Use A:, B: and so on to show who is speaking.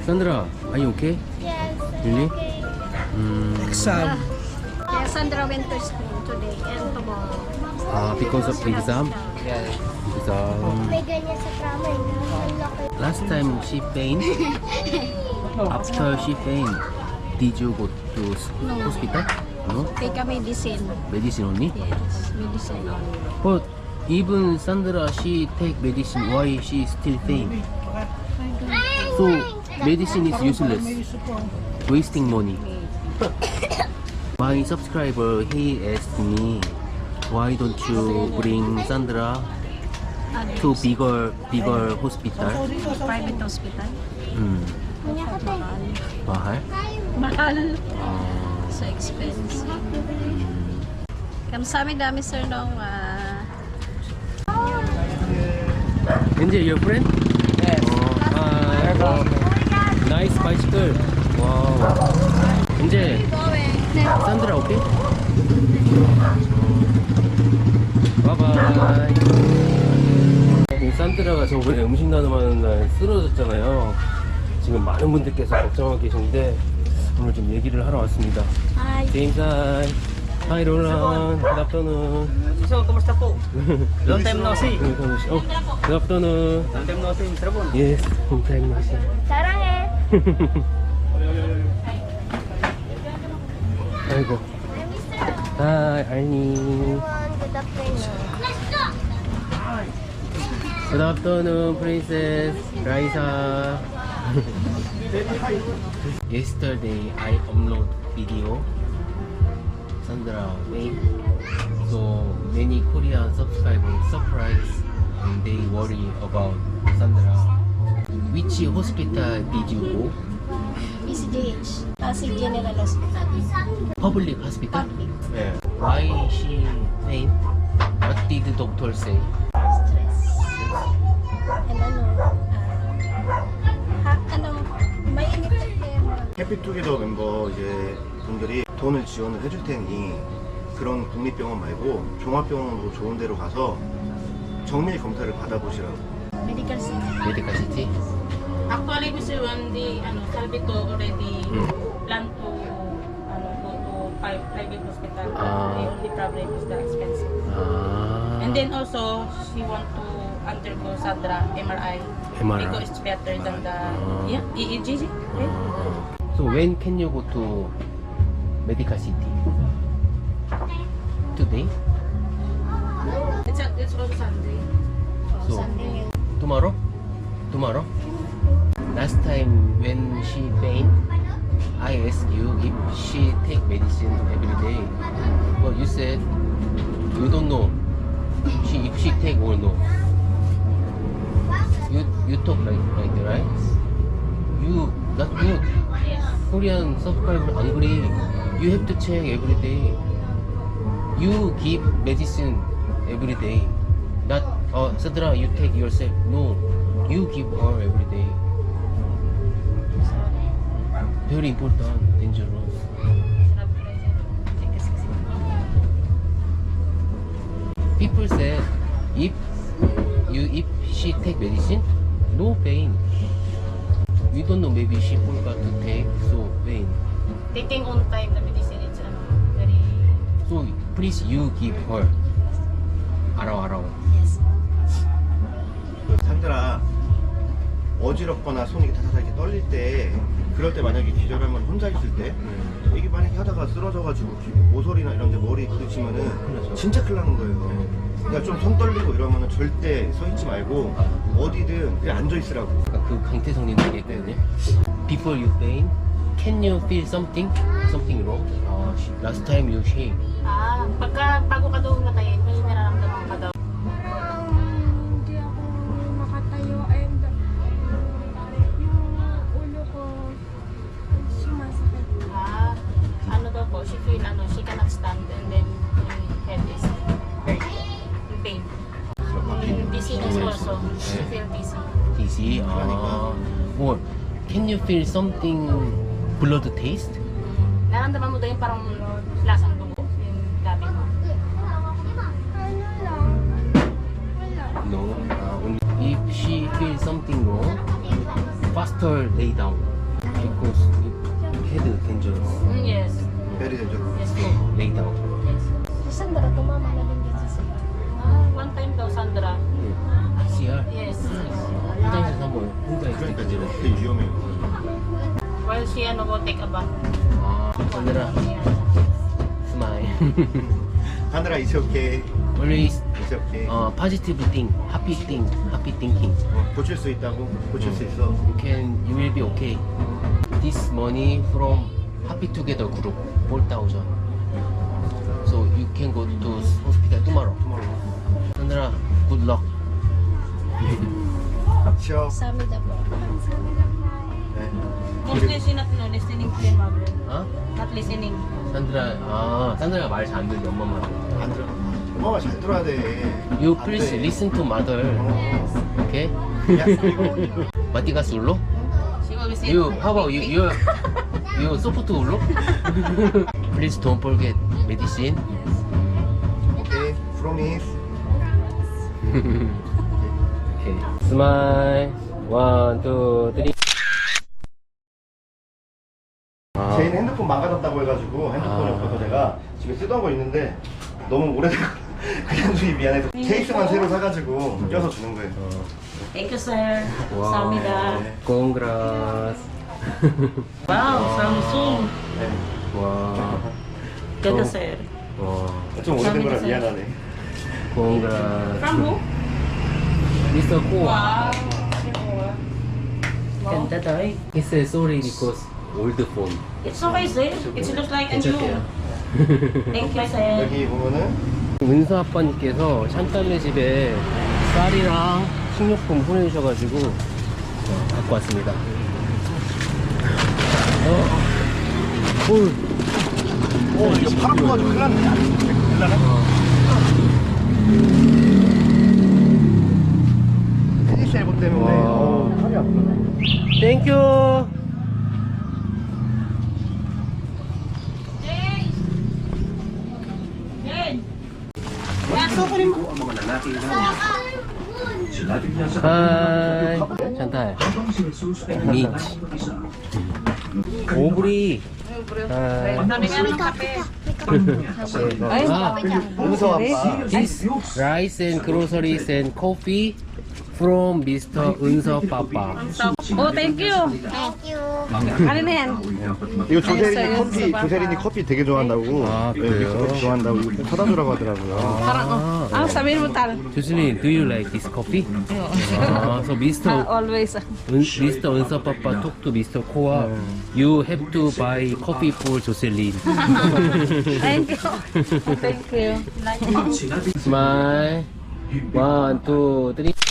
A: Sandra, are you okay?
B: Yes.
A: Really?
B: Okay.
A: Exam.
C: Yeah, Sandra went to school today and tomorrow.
A: Because of the exam?
D: Yeah.
A: Exam.
B: May ganyan sa drama eh. Ang laki.
A: Last time she faint. After she faint, did you go to hospital? No?
C: Take a medicine.
A: Medicine only?
C: Yes, medicine only.
A: But even Sandra, she take medicine. Why she still faint? So medicine is useless, wasting money. My subscriber, he asked me, why don't you bring Sandra to bigger hospital?
C: Private hospital.
A: Mahal?
C: Mahal. So expensive. Kamsahamnida dami sir nung
A: Angel, your friend?
D: Yes.
A: Nice bicycle. Wow. Angel, Sandra, okay? Bye bye. 산드라가 저번에 음식 나눔하는 날 쓰러졌잖아요. 지금 많은 분들께서 걱정하고 계신데 오늘 좀 얘기를 하러 왔습니다.
C: Hi.
A: James, hi. Hi, Roland. Good afternoon.
D: So, kumusta po? Long time no see.
A: Oh, good afternoon.
D: Long time no see, Mr. Bon.
A: Yes, long time no see.
B: 사랑해.
A: 아이고. Hi, Arnie.
B: Good afternoon.
A: Good afternoon, Princess Raisa. Yesterday, I upload video. Sandra made. So many Korean subscribers surprised and they worry about Sandra. Which hospital did you go?
C: PCGH. Pasig General Hospital.
A: Public hospital?
C: Public.
A: Yeah. Why she faint? What did the doctor say?
C: Stress. And mainit na tema.
E: 해피투게더 멤버 이제 분들이 돈을 지원을 해줄 테니 그런 국립병원 말고 종합병원으로 좋은 데로 가서 정밀 검사를 받아보시라고.
C: Medical center.
A: Medical city?
F: Actually, Mr. Wendy, Salvito already plan to go to private hospital. The only problem is the expensive. And then also, she want to undergo Sandra MRI.
A: MRI.
F: Because it's better than the EEG. Right?
A: So when can you go to medical city? Today?
F: It's on Sunday.
A: So tomorrow? Tomorrow? Last time when she faint, I asked you if she take medicine every day. But you said you don't know if she take or no. You talk like that, right? You not good. Korean subscriber angry. You have to check every day. You give medicine every day. Not Sandra, you take yourself. No, you give her every day. Very important, dangerous. People say if she take medicine, no pain. We don't know, maybe she forgot to take, so pain.
F: Taking on time the medicine, it's very...
A: So please you give her. 알아.
C: Yes.
E: 산드라 어지럽거나 손이 타타타 이렇게 떨릴 때 그럴 때 만약에 기절하면 혼자 있을 때 이게 만약에 하다가 쓰러져가지고 모서리나 이런 데 머리 부딪히면은 진짜 큰일 나는 거예요. 그러니까 좀 손 떨리고 이러면은 절대 서 있지 말고 어디든 그냥 앉아 있으라고.
A: 아까 그 강태성님 얘기했거든요. Before you faint, can you feel something wrong? Last time you shake.
F: bago ka daw matayin, may nararamdaman ka daw.
B: Hindi ako makatayo and yung ulo ko sumasakit.
F: Ano daw po, she feel, she cannot stand and then her head is very pain. Dizziness also, she feel dizzy.
A: Dizzy? Or can you feel something blood taste?
F: Nararamdaman mo daw yung parang lasang dugo, yung labi mo.
B: Ano lang? Wala.
A: No. If she feels something wrong, faster lay down.
E: 되죠.
F: Yes po.
A: Lay down.
C: Si Sandra, tumama na din dyan sa
F: One time daw, Sandra.
A: CR.
F: Yes.
A: 화장실에서 한번 혼자
E: 그러니까
A: 있을
E: 이제
A: 때.
E: 되게 위험해요.
F: While she go take a bath.
A: 아, Sandra, smile.
E: 하늘아 it's okay.
A: Always
E: It's okay.
A: positive thing, happy thinking.
E: 고칠 수 있다고? 고칠 수 있어.
A: You will be okay. This money from Happy Together group 4,000. So you can go to hospital tomorrow. Sandra, good luck.
E: 치어.
C: Samida po.
E: 네.
F: Mostly she not listening to your mother.
A: 어?
F: Not listening.
A: 산드라가 말 잘 안 들지 엄마 말.
E: 안 들어. 엄마가 잘 들어야 돼.
A: You
E: 안
A: please
E: 돼.
A: listen to mother. Okay?
E: 야, 그리고
A: 마티가 솔로?
F: She always say,
A: You, how about you? You soft 울로? Please don't forget medicine.
E: 오케이. Promise.
A: Okay. Smile. 1, 2, 3.
E: 제인 핸드폰 망가졌다고 해가지고 핸드폰이 없어서 제가 집에 쓰던 거 있는데 너무 오래돼서 그냥 주기 미안해서 케이스만 새로 사가지고 껴서 주는 거예요.
F: thank you, sir. Samida.
A: Congrats.
F: Wow, Samsung.
E: 네.
A: 와.
F: Ganda, sir.
A: 와.
E: 좀 오래된 거라 미안하네.
A: Congrats.
F: From who?
A: Mr. Ko.
F: Wow. Ganda tayo.
A: He said sorry because old phone.
F: It's okay, sir. It looks like a
A: It's
F: new.
A: okay.
F: Thank you, sir.
E: 여기 보면은
A: 은서 아빠님께서 샨딸네 집에 쌀이랑 식료품 보내주셔가지고 갖고 왔습니다.
E: 이거 팔 아파가지고 큰일 났네. 큰일 나네. 피니시 앨범 때문에 팔이 아프네.
A: 땡큐. 하이 샨탈 미치 오브리
E: 은서 아빠.
A: This rice and groceries and coffee from Mr. 은서 Papa.
C: Oh, thank you. Ano na yan?
E: 이거 조세린이 커피 되게 좋아한다고.
A: 아, 그래요?
E: 커피 좋아한다고 사다 주라고 하더라고요.
C: Parang, sabihin mo tal.
A: Jocelyn, do you like this coffee? So Mr.
C: Always.
A: Mr. 은서 Papa talk to Mr. Koa. You have to buy coffee for Jocelyn.
C: Thank you. Thank you.
A: Smile. 1, 2, 3.